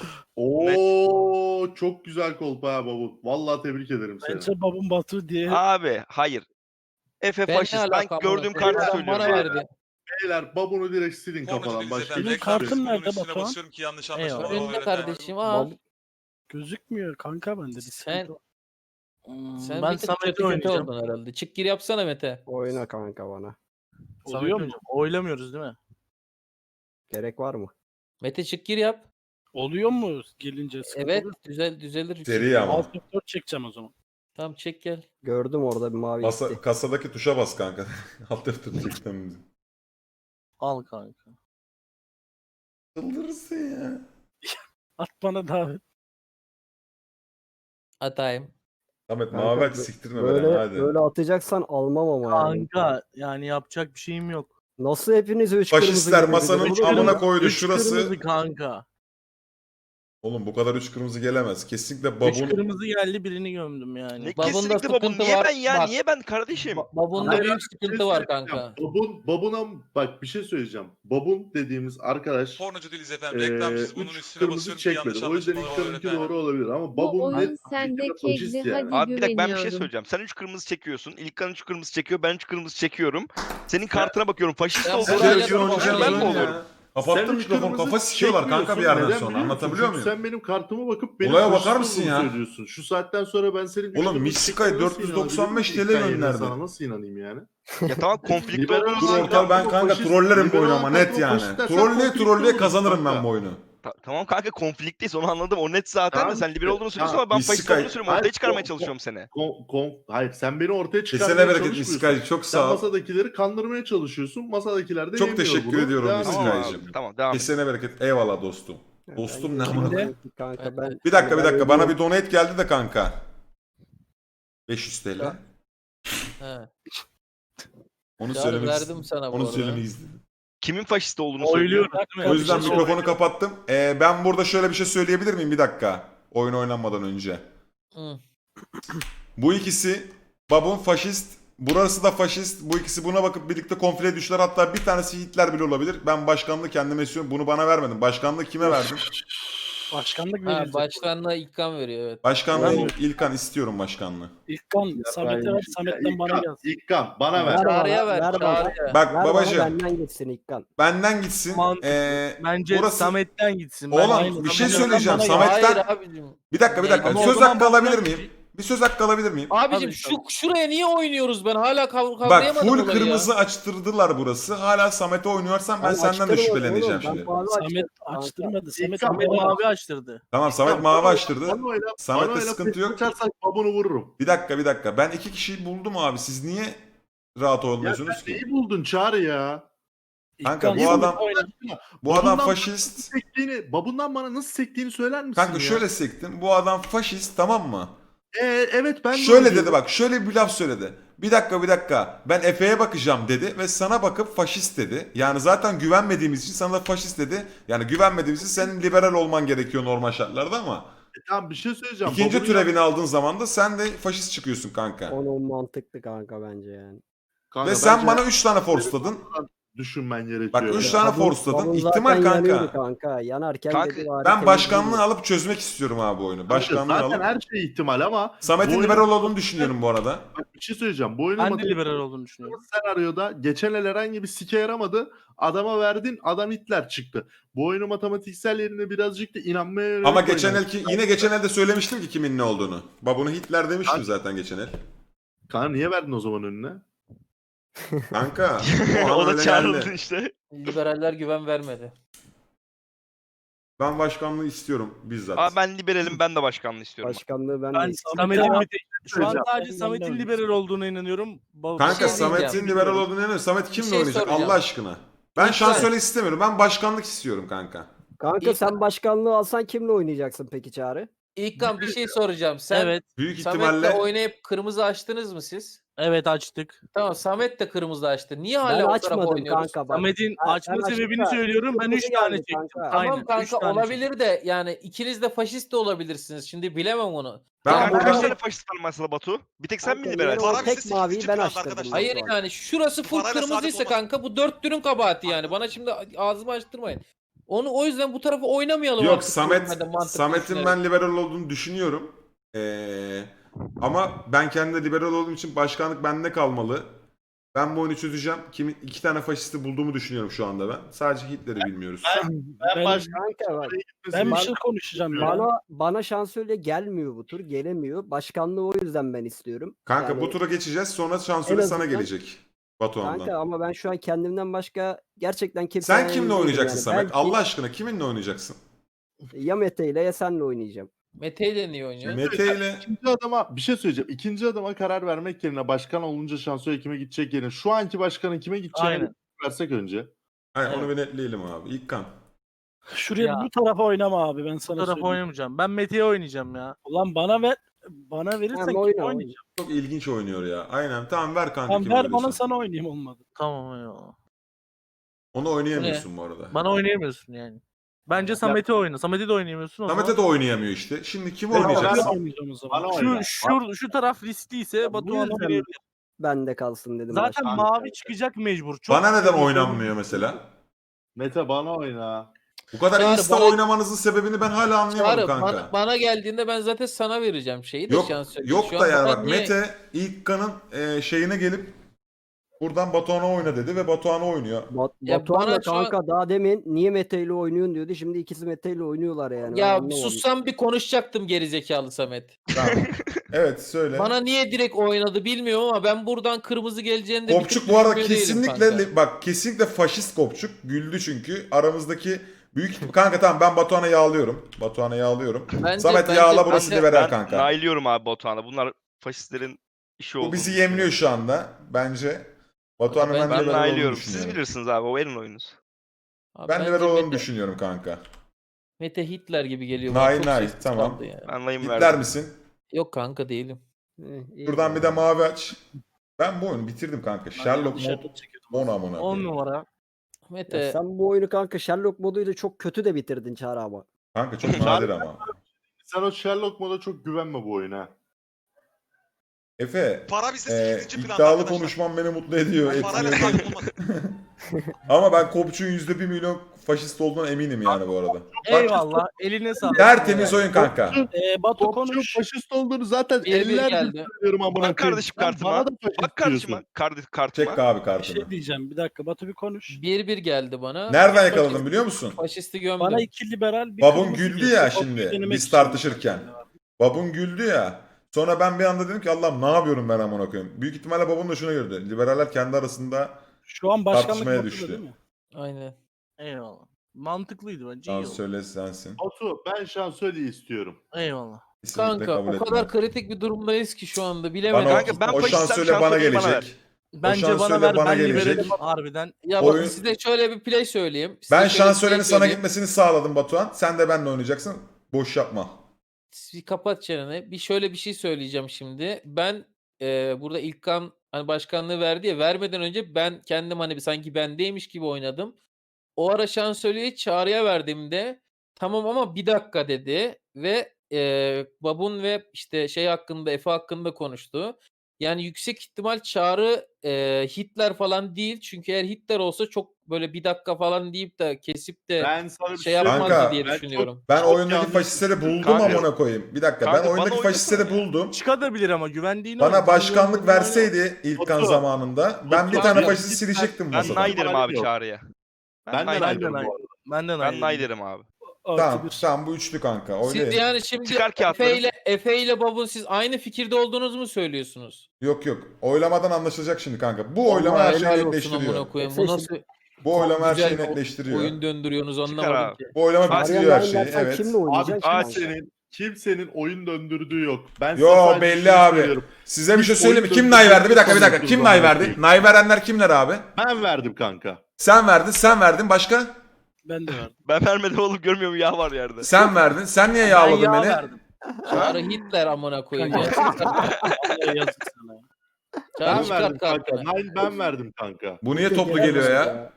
S6: Oo çok güzel kolpa ha babu. Vallahi tebrik ederim seni.
S3: Bence babam Batu diye.
S5: Abi hayır. Efe
S2: Ben ne
S5: faşist. Ben
S2: alakam
S5: gördüğüm
S2: var?
S5: kartı
S2: Adam
S5: söylüyorum.
S2: Bana
S5: abi.
S2: verdi.
S6: Beyler babunu direkt silin
S8: Kornacı
S6: kafadan.
S8: değiliz
S6: Başka
S8: efendim.
S6: hiçbir
S3: Benim
S6: şey yok.
S3: kartım
S8: Bunun
S3: nerede
S8: üstüne
S3: Batuhan?
S8: basıyorum ki yanlış
S4: Eyvallah.
S8: anlaşılmalar
S2: Önünde
S8: olur.
S2: kardeşim al.
S3: Gözükmüyor kanka bende. Bir
S2: Sen-
S3: sıkıntı var.
S4: Hmm,
S2: Sen
S4: ben
S2: bir tık
S4: Samet'i
S2: kötü kötü
S4: oynayacağım.
S2: oldun herhalde. Çık gir yapsana Mete.
S7: Oyna kanka bana.
S4: Samet'i
S3: Oluyor mu?
S4: oynayacağım. Oylamıyoruz değil mi?
S7: Gerek var mı?
S2: Mete çık gir yap.
S3: Oluyor mu gelince sıkıntı
S2: Evet
S3: oluyor mu?
S2: düzel düzelir.
S1: Seri ama.
S3: Alt F dört çekeceğim o zaman.
S2: Tamam çek gel.
S7: Gördüm orada bir mavi
S1: Masa,
S7: gitti.
S1: kasadaki tuşa bas kanka. Alt F dört çektim.
S4: Al kanka.
S1: Çıldırırsın ya.
S3: At bana davet.
S2: Atayım.
S1: Samet
S7: Kanka,
S1: mavi aç
S7: bö-
S1: siktirme
S7: Böyle
S1: beni hadi.
S7: böyle atacaksan almam ama yani.
S4: Kanka yani yapacak bir şeyim yok.
S7: Nasıl hepiniz üç kırmızı
S1: Faşistler
S7: gibi
S1: masanın
S7: gidiyorsunuz?
S4: Üç
S1: amına
S4: kırmızı-
S1: koydu
S4: üç
S1: şurası.
S4: kırmızı kanka.
S1: Oğlum bu kadar üç kırmızı gelemez. Kesinlikle
S4: Üç
S1: babun.
S4: kırmızı geldi birini gömdüm yani.
S5: Ne
S2: Babunda
S5: kesinlikle babun.
S2: sıkıntı
S5: Niye
S2: var.
S5: ben ya?
S2: Bak.
S5: Niye ben kardeşim?
S2: Ba- Babunda
S6: Hayır,
S2: büyük
S6: Bir
S2: sıkıntı
S6: şey
S2: var
S6: söyleyeceğim.
S2: kanka.
S6: Babun, babuna bak bir şey söyleyeceğim. Babun dediğimiz arkadaş
S8: Pornocu değiliz efendim.
S6: eee
S8: Reklamcıyız. Bunun
S6: üç
S8: üstüne
S6: kırmızı
S8: basıyorum ki yanlış
S6: çekmedi. O yüzden
S8: anlaşılmalar olur
S6: ilk
S8: efendim.
S6: doğru olabilir ama
S9: Bu
S6: babun
S9: oyun
S6: net
S9: sende
S6: bir kere faşist
S9: kegli,
S6: yani.
S9: hadi.
S5: Abi bir dakika ben bir şey
S9: güveniyorum.
S5: söyleyeceğim. Sen üç kırmızı çekiyorsun. İlkan üç kırmızı çekiyor. Ben üç kırmızı çekiyorum. Senin kartına bakıyorum. Faşist
S2: Ben
S5: olduğunu
S2: buraya
S1: Sen
S5: söylüyorum.
S2: yapamam.
S5: Ben mi
S2: Ben
S5: oluyorum?
S1: Kapattım
S6: Sen üç
S1: mikrofonu.
S6: kırmızı
S1: Kafa sikiyorlar kanka bir
S6: çekmiyorsun.
S1: yerden
S6: Neden
S1: sonra.
S6: biliyor musun?
S1: Anlatabiliyor
S6: Çünkü
S1: muyum?
S6: Sen benim kartıma bakıp benim
S1: Olaya bakar
S6: faşist
S1: mısın
S6: olduğumu
S1: ya?
S6: söylüyorsun. Şu saatten sonra ben senin üç
S1: Oğlum,
S6: kırmızı
S1: Miss Sky
S6: çektiğine nasıl
S1: dört yüz doksan beş
S6: inanabilirim?
S1: TL
S6: Ben yine
S1: gönderdi.
S6: Sana nasıl inanayım yani?
S5: Ya tamam konflikte
S6: Liberal
S5: olduğumuz
S1: Dur
S6: olan
S5: için.
S1: ortal ben
S6: Faşist-
S1: kanka trollerim bu oyunu ama net
S6: faşist-
S1: yani.
S6: faşistler, sen
S1: Trolleye
S6: konflikte
S1: trolleye
S6: olursun
S1: kazanırım ben
S6: kanka.
S1: bu oyunu.
S5: Ta- tamam kanka konflikteyiz onu anladım. O net zaten
S6: Tamam
S5: de sen
S6: işte.
S5: liberal olduğunu söylüyorsun
S6: Ya,
S5: ama ben
S1: Miss
S5: faşist
S1: Sky-
S5: olduğunu söylüyorum. Ortaya
S6: Hayır,
S5: çıkarmaya
S6: o-
S5: çalışıyorum seni.
S6: Kon, kon, hayır sen beni ortaya
S1: Kesene
S6: çıkarmaya
S1: bereket Miss
S6: çalışmıyorsun.
S1: Sky çok
S6: Sen
S1: sağ ol.
S6: masadakileri kandırmaya çalışıyorsun. Masadakiler de
S1: Çok
S6: yemiyor
S1: teşekkür
S6: bunu.
S1: ediyorum
S6: Devam
S1: Miss
S6: ediyor.
S5: Tamam
S1: Sky'cim.
S5: abi. Tamam devam et.
S1: Kesene bereket. Eyvallah dostum. Dostum ne
S7: Ben-
S1: amına
S3: Kimde?
S7: Kanka ben
S1: Bir dakika bir
S7: ben
S1: dakika bana
S7: ödüyorum.
S1: bir donate geldi de kanka. beş yüz TL.
S2: He.
S1: Onu
S2: Çağrı
S1: söylemek
S2: verdim
S1: istedim.
S2: sana bu
S1: Onu
S2: arada.
S1: söylemek istedim.
S5: Kimin faşist olduğunu söylüyor.
S4: Oyluyoruz değil mi?
S1: O yüzden
S3: Bir şey
S1: mikrofonu kapattım. Ee, ben burada şöyle bir şey söyleyebilir miyim bir dakika? Oyun oynanmadan önce.
S2: Hı.
S1: Bu ikisi Babun faşist, Burası da faşist. Bu ikisi buna bakıp birlikte konfliye düşler. Hatta bir tanesi Hitler bile olabilir. Ben başkanlığı kendime istiyorum. Bunu bana vermedin. Başkanlığı kime verdin?
S3: Başkanlık
S2: Ha,
S3: verecek.
S2: başkanlığa İlkan veriyor evet.
S1: Başkanlığı
S6: Ben-
S1: İlkan istiyorum başkanlığı.
S3: İlkan, Samet'e ver, Samet'ten bana
S6: İlkan,
S3: gel.
S6: İlkan bana ver.
S7: Ver bana,
S2: Çağrı'ya ver,
S7: ver bana.
S2: Çağrı'ya.
S1: Bak
S7: Ver
S1: babacığım
S7: bana benden gitsin İlkan.
S1: benden gitsin.
S4: Mantıklı.
S1: Ee,
S4: Bence
S1: burası...
S4: Samet'ten gitsin.
S1: Oğlum
S4: Bence
S1: bir şey
S4: Samet'ten-
S1: söyleyeceğim.
S3: bana-
S1: Samet'ten
S2: Hayır abicim.
S1: bir dakika bir dakika.
S2: Ama
S4: o
S1: Söz
S4: zaman
S1: hakkı alabilir
S4: bundan-
S1: miyim? Bir söz hakkı alabilir miyim?
S2: Abicim
S4: Tabii,
S2: şu şuraya niye oynuyoruz ben hala kav-
S1: Bak
S2: kavrayamadım
S1: full
S2: olayı
S1: kırmızı
S2: ya.
S1: açtırdılar burası. Hala Samet'e oynuyorsan ben
S7: Ben
S1: senden de
S7: açtırmadım
S1: şüpheleneceğim
S7: oğlum, ben
S1: şimdi.
S7: mavi
S3: Samet
S7: açtırdım.
S3: açtırmadı. Samet
S6: İlkan,
S4: Samet
S3: bana ver.
S4: mavi açtırdı.
S1: Tamam Samet
S6: İlkan,
S1: mavi
S6: bana-
S1: açtırdı.
S6: bana oyna,
S1: Samet'te
S6: bana oyna,
S1: sıkıntı yok.
S6: Açarsak babunu vururum.
S1: Bir dakika bir dakika. Ben iki kişiyi buldum abi. Siz niye rahat
S6: Ya
S1: olmuyorsunuz
S6: sen
S1: ki?
S6: neyi buldun Çağrı ya?
S1: Kanka,
S3: İlkan,
S1: bu
S3: Samet
S1: adam-
S3: oyna.
S1: Bu adam
S6: Babundan
S1: faşist.
S6: Sektiğini, babundan bana nasıl sektiğini söyler misin
S1: Kanka
S6: ya?
S1: şöyle sektim. Bu adam faşist tamam mı?
S6: Ee, evet ben de
S1: Şöyle
S6: öyle
S1: dedi
S6: diyorum.
S1: bak şöyle bir laf söyledi. Bir dakika bir dakika ben Efe'ye bakacağım dedi ve sana bakıp faşist dedi. Yani zaten güvenmediğimiz için sana da faşist dedi. Yani güvenmediğimiz için senin liberal olman gerekiyor normal şartlarda ama.
S6: E, tamam bir şey söyleyeceğim.
S1: İkinci
S6: Babunun
S1: türevini aldığın zaman da sen de faşist çıkıyorsun kanka.
S7: Onu mantıklı kanka bence yani.
S6: Kanka,
S1: Ve sen
S6: bence
S1: bana üç tane forceladın.
S6: düşünmen gerekiyor.
S1: Bak üç tane
S7: Babun-
S1: forceladın.
S7: babun
S1: İhtimal
S7: zaten yanıyordu
S1: kanka.
S7: kanka. Yanarken
S5: Kanka,
S7: dedi bari
S1: Ben
S7: temizleyin.
S1: başkanlığı alıp çözmek istiyorum abi bu oyunu.
S6: Kanka,
S1: Başkanlığı
S6: zaten
S1: alıp.
S6: her şey ihtimal ama
S1: Samet'in
S6: bu oyunu-
S1: liberal olduğunu düşünüyorum bu arada.
S6: Bak bir şey söyleyeceğim. Bu oyunun
S4: Ben de
S6: matematik
S4: liberal olduğunu düşünüyorum.
S6: senaryoda geçen el herhangi bir sike yaramadı. Adama verdin adam Hitler çıktı. Bu oyunu matematiksel yerine birazcık da inanmaya yönelik
S1: Ama geçen
S6: oynayın.
S1: elki yine geçen elde söylemiştim ki kimin ne olduğunu. Babunu Hitler demiştim zaten geçen el.
S6: Kanka niye verdin o zaman önüne?
S1: Kanka o
S5: o
S1: an
S5: da
S1: öyle
S5: çağrıldı
S1: geldi.
S5: işte.
S2: Liberaller güven vermedi.
S1: Ben başkanlığı istiyorum bizzat.
S5: Abi ben liberalim ben de başkanlığı istiyorum.
S7: Başkanlığı ben,
S4: Ben
S7: de
S4: Samet'in
S3: Samet'e-
S4: bir tek- şu an
S6: Söyleyeceğim.
S4: sadece
S3: Ben
S4: Samet'in
S3: de
S4: liberal olduğuna inanıyorum. Baba-
S1: Kanka
S2: Bir şey
S1: Samet'in
S2: diyeceğim.
S1: liberal olduğunu inanıyorum. Samet kimle
S2: şey
S1: oynayacak
S2: soracağım.
S1: Allah aşkına? Ben
S2: Lütfen.
S1: şansölye istemiyorum. Ben başkanlık istiyorum kanka.
S7: Kanka
S2: İlk-
S7: sen başkanlığı alsan kimle oynayacaksın peki Çağrı?
S2: İlkan bir şey soracağım. Sen
S4: Evet,
S1: Büyük
S2: Samet'le
S1: ihtimalle
S2: oynayıp kırmızı açtınız mı siz?
S4: evet açtık.
S2: Tamam Samet de kırmızı açtı. Niye
S7: Ben
S2: hala o tarafa
S7: açmadım
S2: oynuyoruz?
S7: kanka bak.
S4: Samet'in
S7: Ben-
S4: açma
S7: ben
S4: sebebini
S7: açtım da
S4: söylüyorum. Ben
S7: kırmızı
S4: üç tane
S7: geldi
S4: çektim.
S7: kanka.
S2: Tamam
S4: Aynen, üç
S2: kanka
S4: tane
S2: olabilir de yani ikiniz de faşist de olabilirsiniz. Şimdi bilemem onu.
S1: ben
S2: Ya
S5: Kanka
S1: burada
S5: kaç tane faşist var mesela Batu? Bir tek sen mi
S7: Kanka,
S5: liberal?
S7: yine o
S8: Para
S7: tek
S8: bize
S7: maviyi
S8: sekiz
S7: ben
S8: buçuk
S7: açtırdım.
S8: arkadaşlar.
S2: Hayır
S7: Batuhan.
S2: yani şurası full
S8: Parayla
S2: kırmızıysa
S8: saadet olmaz.
S2: kanka bu dörtlünün kabahati yani. Bana şimdi ağzımı açtırmayın. Onu o yüzden bu tarafa oynamayalım
S1: yok
S2: artık
S1: Samet
S2: görmeden, mantıklı
S1: Samet'in
S2: düşünerek.
S1: ben liberal olduğunu düşünüyorum. Ee, ama ben kendi liberal olduğum için başkanlık bende kalmalı. Ben bu oyunu çözeceğim. Kimin iki tane faşisti bulduğumu düşünüyorum şu anda ben. Sadece Hitler'i bilmiyoruz.
S6: Ben
S3: Ben-
S6: başka
S7: Kanka bak.
S3: Ben bir
S7: Ben-
S3: şey konuşacağım ya.
S7: Bana bana şansölye gelmiyor bu tur. Gelemiyor. Başkanlığı o yüzden ben istiyorum.
S1: Kanka
S7: Yani-
S1: bu tura geçeceğiz. Sonra şansölye
S7: En
S1: sana
S7: azından-
S1: gelecek. Batuhan'dan.
S7: Kanka ama ben şu an kendimden başka gerçekten kimse
S1: Sen kimle oynayacaksın Samet?
S7: Belki
S1: Allah aşkına kiminle oynayacaksın?
S7: ya Mete ile ya senle oynayacağım.
S2: Mete ile niye oynuyor?
S1: Mete ile
S6: İkinci adama bir şey söyleyeceğim. İkinci adama karar vermek yerine başkan olunca şansölye kime gidecek yerine şu anki başkanın kime gideceğini
S4: Aynen.
S6: versek önce.
S1: Hayır,
S4: Evet.
S1: onu bir netleyelim abi. İlk kan.
S3: Şuraya
S4: Ya.
S3: bu tarafa oynama abi ben
S4: Bu
S3: sana
S4: tarafa
S3: söyleyeyim.
S4: oynamayacağım. Ben Mete'ye oynayacağım ya.
S3: Ulan bana ver. Bana verirsen
S7: Tamam,
S3: kim
S7: oyna,
S3: oynayacağım?
S1: Çok ilginç oynuyor ya. Aynen. Tamam ver kanka
S3: Tamam
S1: kimi
S3: ver bana
S1: oynuyorsan.
S3: sana oynayayım olmadı.
S4: Tamam ya.
S1: Onu oynayamıyorsun bu arada.
S4: Bana oynayamıyorsun yani. Bence Samet'e oyna. Samet'e de oynayamıyorsun. o
S1: Samet'e de
S4: zaman.
S1: oynayamıyor işte. Şimdi kimi
S6: Tamam,
S1: oynayacaksın?
S6: ben-
S3: oynayacağım o zaman.
S6: Bana
S4: Şu,
S6: oyna.
S4: şu, şu taraf riskliyse
S6: bu
S4: Batuhan
S6: yüzden-
S4: oynayabilir.
S7: Bende kalsın dedim.
S4: Zaten
S7: başkanlık.
S4: mavi çıkacak mecbur. Çok
S1: Bana neden
S4: güzel bir
S1: oynanmıyor mesela?
S6: Mete bana oyna.
S1: Bu kadar
S2: Çağrı,
S1: insta
S2: bana-
S1: oynamanızın sebebini ben hala anlayamadım
S2: Çağrı,
S1: kanka.
S2: bana, bana geldiğinde ben zaten sana vereceğim şeyi de
S1: Yok
S2: şansölye.
S1: yok
S2: Şu
S1: da
S2: an
S1: yani
S2: bana
S1: bak
S2: niye-
S1: Mete ilk kanın e, şeyine gelip buradan Batuhan'a oyna dedi ve Batuhan'a oynuyor.
S7: Bat,
S2: Ya
S7: Batuhan
S2: bana
S7: da
S2: şu an-
S7: kanka daha demin niye Mete ile oynuyorsun diyordu. Şimdi ikisi Mete ile oynuyorlar yani. Ben
S2: Ya
S7: anlamadım.
S2: sussam bir konuşacaktım gerizekalı Samet.
S1: Tamam. Evet söyle.
S2: Bana niye direkt oynadı bilmiyorum ama ben buradan kırmızı geleceğini de bir
S1: Kopçuk
S2: tık
S1: bu arada
S2: düşünmüyor değilim
S1: kesinlikle
S2: kanka.
S1: bak kesinlikle faşist Kopçuk. Güldü çünkü. Aramızdaki büyük kanka tamam ben Batuhan'a yağlıyorum. Batuhan'a yağlıyorum.
S2: Bence-
S1: Samet
S2: bence-
S1: yağla burası
S2: bence-
S1: liberal
S5: Ben
S1: kanka.
S5: nailiyorum abi Batuhan'a. Bunlar faşistlerin işi oldu.
S1: Bu bizi yemliyor şu anda bence. Batuhan'ın
S2: Ben-
S1: ben,
S5: Ben
S1: liberal olduğunu
S5: nailiyorum. Siz
S1: düşünüyorum.
S5: bilirsiniz abi. O verin oyununuzu.
S2: Abi
S1: Ben
S2: bence
S1: liberal olduğunu
S2: Mete-
S1: düşünüyorum kanka.
S2: Mete Hitler gibi geliyor.
S1: Nay,
S2: bana. Çok
S1: nay,
S2: sessiz
S1: tamam.
S2: kaldı ya.
S5: Ben layım
S1: Hitler
S5: verdim.
S1: misin?
S2: Yok kanka değilim.
S7: Eh, iyi.
S1: Şuradan bir de mavi aç. Ben bu oyunu bitirdim kanka. Sherlock
S3: Dışarıda
S1: mod
S3: çekiyordum.
S1: on amına.
S4: on
S1: koyayım.
S4: numara.
S2: Mete
S7: Ya sen bu oyunu kanka Sherlock moduyla çok kötü de bitirdin Çağrı ama.
S1: Kanka çok nadir ama.
S6: Sen o Sherlock moda çok güvenme bu oyuna.
S1: Efe,
S8: Para bizde
S1: e,
S8: sekizinci planda
S1: iddialı
S8: arkadaşlar.
S1: konuşman beni mutlu ediyor.
S8: Ben parayla
S1: etkiliyor.
S8: takip olmadım.
S1: Ama ben Kopçu'nun yüzde bir milyon faşist olduğuna eminim yani bu arada.
S4: Eyvallah. Eline sağlık.
S1: Tertemiz oyun kanka.
S3: Ee, Batu
S6: Topçu
S3: konuş.
S6: faşist olduğunu zaten
S2: Bir bir
S6: ellerdir
S2: geldi.
S6: söylüyorum amına
S5: Bak
S6: koyayım.
S5: kardeşim
S6: Sen
S5: kartıma.
S6: Bana da faşist
S5: Bak kardeşime.
S6: diyorsun.
S5: Kardeş kartıma.
S1: Çek abi
S3: Bir
S1: kartını.
S3: şey diyeceğim. Bir dakika Batu bir konuş.
S2: bir bir geldi bana.
S1: Nereden
S2: Faşist-
S1: yakaladın biliyor musun?
S2: Faşisti gömdüm.
S3: Bana iki liberal bir
S1: Babun
S3: kırmızı
S1: güldü
S3: girdi.
S1: ya
S3: Batu'yu
S1: şimdi
S3: denemek
S1: biz
S3: için.
S1: tartışırken. Babun güldü ya. Sonra ben bir anda dedim ki Allah'ım ne yapıyorum ben amına koyayım. Büyük ihtimalle babun da şuna gördü. Liberaller kendi arasında
S3: Şu an başkanlık
S1: tartışmaya
S3: Batu'da
S1: düştü.
S3: değil mi?
S2: Aynen.
S4: Eyvallah. Mantıklıydı bence.
S1: Can
S4: iyi oldu.
S1: söyle sensin.
S6: Batu ben şansölye istiyorum.
S4: Eyvallah.
S1: Kesinlikle
S2: Kanka
S1: kabul
S2: o
S1: etmem.
S2: kadar kritik bir durumdayız ki şu anda bilemedim.
S1: Bana o,
S5: Kanka ben
S1: o
S5: faşistsem
S1: şansölye bana
S5: şansölyeyi bana ver.
S1: gelecek.
S4: Bence
S1: şansölye
S4: bana ver
S1: bana
S4: ben
S1: gelecek.
S4: liberalim harbiden.
S2: Ya bak
S1: Oyun-
S2: size şöyle bir play söyleyeyim. Size
S1: Ben
S2: şöyle bir play
S1: şansölyenin sana
S2: söyleyeyim.
S1: gitmesini sağladım Batuhan. Sen de benimle oynayacaksın. Boş yapma.
S2: Bir kapat çeneni. Bir şöyle bir şey söyleyeceğim şimdi. Ben e, burada İlkan hani başkanlığı verdi ya vermeden önce ben kendim hani bir- sanki bendeymiş gibi oynadım. O ara şansölyeyi Çağrı'ya verdiğimde tamam ama bir dakika dedi ve e, Babun ve işte şey hakkında Efe hakkında konuştu. Yani yüksek ihtimal Çağrı e, Hitler falan değil. Çünkü eğer Hitler olsa çok böyle bir dakika falan deyip de kesip de
S6: Ben sana bir
S2: şey
S6: şey
S2: yapmazdı
S1: Kanka,
S2: diye
S6: ben çok-
S2: düşünüyorum.
S1: Ben
S6: Çok
S1: oyundaki
S6: yanlış-
S1: faşistleri buldum
S5: Kanka-
S1: amına koyayım. Bir dakika
S5: Kanka
S1: ben
S5: bana
S1: oyundaki faşistleri buldum.
S4: Çıkabilir ama güvendiğini
S1: Bana
S4: oyna.
S1: başkanlık
S4: Güvendiğini oyna.
S1: verseydi İlkan
S6: Batu,
S1: zamanında ben bir
S6: Batu
S1: tane
S6: abi,
S1: faşisti
S6: ben-
S1: silecektim
S5: Ben
S1: masadan.
S5: nay derim abi
S6: Yok.
S5: Çağrı'ya.
S6: Ben de
S5: nay
S6: nay
S5: derim.
S6: derim
S4: nay-
S6: bu arada.
S4: Benden
S5: Ben
S4: aynı.
S5: nay derim abi.
S3: Artı
S1: Tamam,
S3: bir.
S1: tamam bu üçlü kanka.
S2: Siz
S1: Oynayın.
S2: yani şimdi
S5: Çıkar
S2: Efe
S5: kağıtları.
S2: ile, Efe ile Babun siz aynı fikirde olduğunuzu mu söylüyorsunuz?
S1: Yok yok. Oylamadan anlaşılacak şimdi kanka. Bu
S2: Vallahi
S1: oylama her
S2: helal
S1: şeyi
S2: olsun
S1: netleştiriyor.
S2: amına koyayım.
S7: Efe
S2: Bu
S7: şimdi-
S2: nasıl
S1: Bu oylama her
S2: güzel
S1: şeyi
S2: bir
S1: netleştiriyor.
S2: oyun döndürüyorsunuz
S5: Çıkar
S2: anlamadım
S5: abi.
S2: ki.
S1: Bu oylama
S6: Bak,
S1: bitiriyor her
S7: Arya
S1: şeyi.
S7: Nine
S1: Evet.
S7: kimle
S6: Abi
S7: oynayacaksın ki kanka?
S6: kimsenin, kimsenin oyun döndürdüğü yok. Ben size
S1: Yo
S6: sadece
S1: belli
S6: şunu
S1: abi.
S6: söylüyorum.
S1: Size bir şey
S6: Hiç
S1: söyleyeyim mi?
S6: oyun
S1: Kim nay verdi? Bir dakika bir dakika.
S6: döndürdüğü
S1: Kim nay
S6: zaman
S1: verdi?
S6: değil.
S1: Nay verenler kimler abi?
S6: Ben verdim kanka.
S1: Sen verdin, sen verdin. Başka?
S3: Ben de verdim.
S5: Ben vermedim oğlum görmüyor mu yağ var yerde.
S1: Sen verdin. Sen niye
S4: Ben
S1: yağladın
S4: yağ
S1: beni?
S4: verdim.
S2: Çağrı Hitler amına koyayım. ya.
S3: Vallahi yazık sana. ya.
S2: Çağrı
S6: Ben
S2: çıkart
S6: verdim kanka.
S2: kartını.
S6: Ben, ben verdim kanka.
S1: Bu niye
S7: Tek
S1: toplu
S7: gelemez
S1: geliyor ya?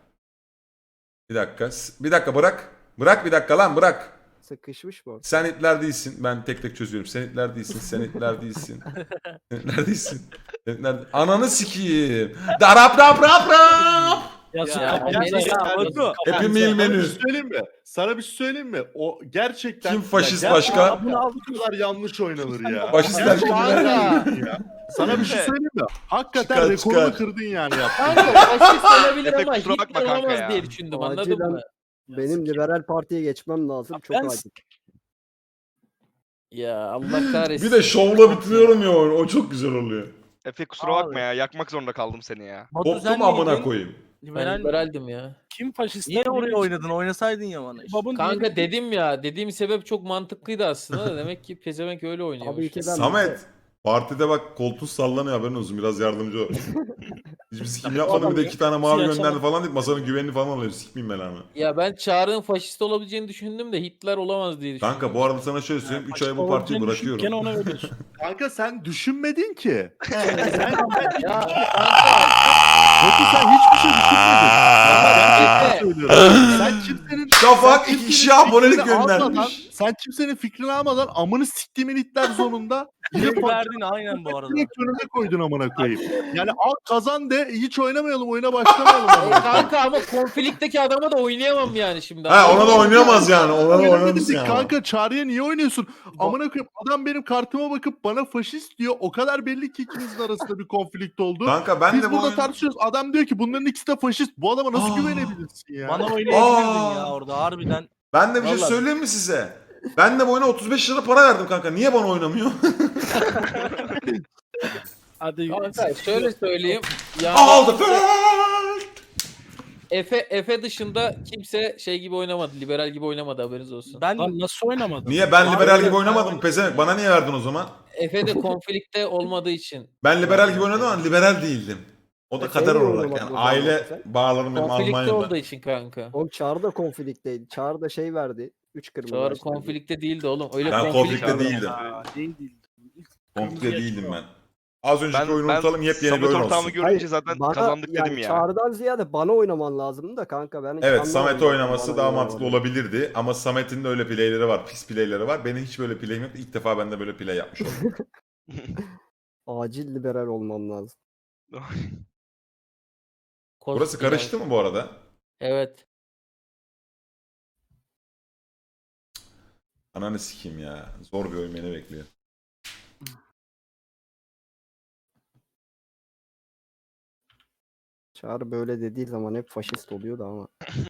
S1: Bir dakika. S- Bir dakika bırak. Bırak bir dakika lan bırak.
S7: Sıkışmış bu.
S1: Sen Hitler değilsin. Ben tek tek çözüyorum. Sen Hitler değilsin. Sen Hitler değilsin. Sen Hitler değilsin. Sen Hitler... Ananı sikiyim. Darap rap rap rap.
S3: Yazık.
S2: Ya,
S3: kapat.
S2: beni-
S3: Yazık,
S4: Ya,
S3: kapat.
S4: Batu.
S1: Happy
S3: Kapat.
S1: Meal
S6: Sana bir
S1: menü.
S6: şey söyleyeyim mi? Sana bir şey söyleyeyim mi? O gerçekten...
S1: Kim faşist
S6: Ya
S1: başka?
S6: gerçekten Bunu al bu kadar yanlış oynanır ya.
S1: Faşistler
S6: Gerçekten
S1: kimler?
S6: yanlış ya. Sana bir şey söyleyeyim mi? Hakikaten
S1: Çıkar,
S6: rekorunu
S1: çıkar.
S6: kırdın yani yaptın.
S2: Kanka faşist olabilir
S5: Efe,
S2: ama
S5: kusura bakma
S2: Hitler
S5: kanka
S2: olamaz
S5: ya.
S2: diye düşündüm anladın
S7: Acilen
S2: mı?
S7: benim liberal partiye geçmem lazım. Çok
S3: Ben-
S7: acil.
S2: Ya Allah kahretsin.
S1: Bir de şovla bitiriyorum ya oyunu. O çok güzel oluyor.
S5: Efe kusura
S4: Abi.
S5: bakma ya yakmak zorunda kaldım seni ya.
S4: Batu
S1: Koptum
S4: sen
S1: amına
S4: miydin?
S1: koyayım.
S2: Ben
S4: Liberal.
S2: liberaldim ya.
S3: Kim faşist?
S4: Niye oraya oynadın? Oynasaydın ya bana işte.
S3: Babun
S2: Kanka
S3: değil.
S2: dedim ya. Dediğim sebep çok mantıklıydı aslında da demek ki pezevenk öyle oynuyormuş.
S7: Tabii ki ben
S1: Samet. Partide bak koltuğun sallanıyor haberin olsun. Biraz yardımcı ol. Hiçbir sikim yapmadım bir de iki tane mavi
S3: Siyah
S1: gönderdi
S3: çalan-
S1: falan deyip masanın güvenini falan alıyor. Sikmeyeyim ben ama.
S2: Ya ben Çağrı'nın faşist olabileceğini düşündüm de Hitler olamaz diye düşündüm.
S1: Kanka bu arada sana şöyle söyleyeyim. üç ay bu partiyi bırakıyorum.
S3: Gene ona veriyorsun.
S6: Kanka sen düşünmedin ki. sen, sen,
S2: Ya
S6: Batu sen hiçbir şey düşünmedin.
S2: Efe,
S6: Söylüyorum. Sen kimsenin...
S1: Şafak
S6: sen
S1: iki
S6: kimsenin
S1: kişiye abonelik
S6: fikrini almadan-
S1: göndermiş.
S6: Sen kimsenin fikrini almadan amını siktiğimin itler zonunda yine
S4: Direkt verdin aynen bu arada.
S6: direkt önüne koydun amına koyayım. Yani al kazan de hiç oynamayalım oyuna başlamayalım. amına koyayım.
S2: kanka ama konflikteki adama da oynayamam yani şimdi.
S1: Ha ona da oynayamaz yani. Ona da
S6: Öyle
S1: oynamaz
S6: dedik,
S1: yani.
S6: kanka Çağrı'ya niye oynuyorsun? Amına koyayım adam benim kartıma bakıp bana faşist diyor. O kadar belli ki ikimizin arasında bir konflikt oldu.
S1: Kanka ben
S6: Biz
S1: de bu
S6: burada
S1: oyun...
S6: tartışıyoruz. Adam diyor ki bunların ikisi de faşist. Bu adama nasıl
S1: Aa.
S6: güvenebilirsin ya?
S4: Bana oynayabilirdin
S1: Aa.
S4: ya orada harbiden.
S1: Ben de bir şey
S2: Vallahi.
S1: söyleyeyim mi size? Ben de bu oyuna otuz beş lira para verdim kanka. Niye bana oynamıyor?
S3: Hadi.
S2: Kanka şöyle söyleyeyim. Yani
S1: Aldı.
S2: Efe, Efe dışında kimse şey gibi oynamadı. Liberal gibi oynamadı haberiniz olsun.
S4: Ben
S3: Lan nasıl oynamadın?
S1: Niye ben liberal
S4: Harbiden
S1: gibi oynamadım
S4: ben-
S1: pezevenk? Bana niye verdin o zaman?
S2: Efe de konflikte olmadığı için.
S1: Ben liberal gibi oynadım ama liberal değildim. O da
S7: Efe
S1: kader
S7: niye
S1: olarak
S7: oynamadın
S1: yani.
S7: o zaman
S1: Aile
S7: Efe?
S1: bağlarım benim
S2: Konflikte
S1: Almanya'da.
S2: olduğu için kanka.
S7: Oğlum Çağrı da konflikteydi. Çağrı da şey verdi. üç kırmızı.
S2: Çağrı
S7: açtı.
S2: konflikte değildi oğlum. Öyle
S1: Ben
S2: konflikt
S1: konflikte
S5: abi.
S1: değildim.
S3: Aa, değil değil.
S1: Komple
S3: Kırmızı
S1: değildim ben.
S3: yaşıyor.
S1: Az önceki
S5: Ben,
S1: oyunu
S5: ben
S1: unutalım yepyeni bir
S5: Samet
S1: oyun
S5: ortağımı
S1: olsun.
S5: görünce
S7: Hayır,
S5: zaten
S7: bana-
S5: kazandık
S7: yani
S5: dedim ya.
S7: Çağrı'dan ziyade bana oynaman lazımdı da kanka. Ben hiç
S1: Evet
S7: anlamadım
S1: Samet'e
S7: yani
S1: oynaması
S7: bana
S1: daha
S7: oynamamanı.
S1: mantıklı olabilirdi. Ama Samet'in de öyle playleri var. Pis playleri var. Benim hiç böyle play'im yok. İlk defa ben de böyle play yapmış oldum.
S7: Acil liberal olmam lazım.
S1: Burası
S2: Koskocaman-
S1: karıştı mı bu arada?
S2: Evet.
S1: Ananı sikeyim ya. Zor bir oyun beni bekliyor.
S7: Çağrı böyle dediği zaman hep faşist oluyordu ama.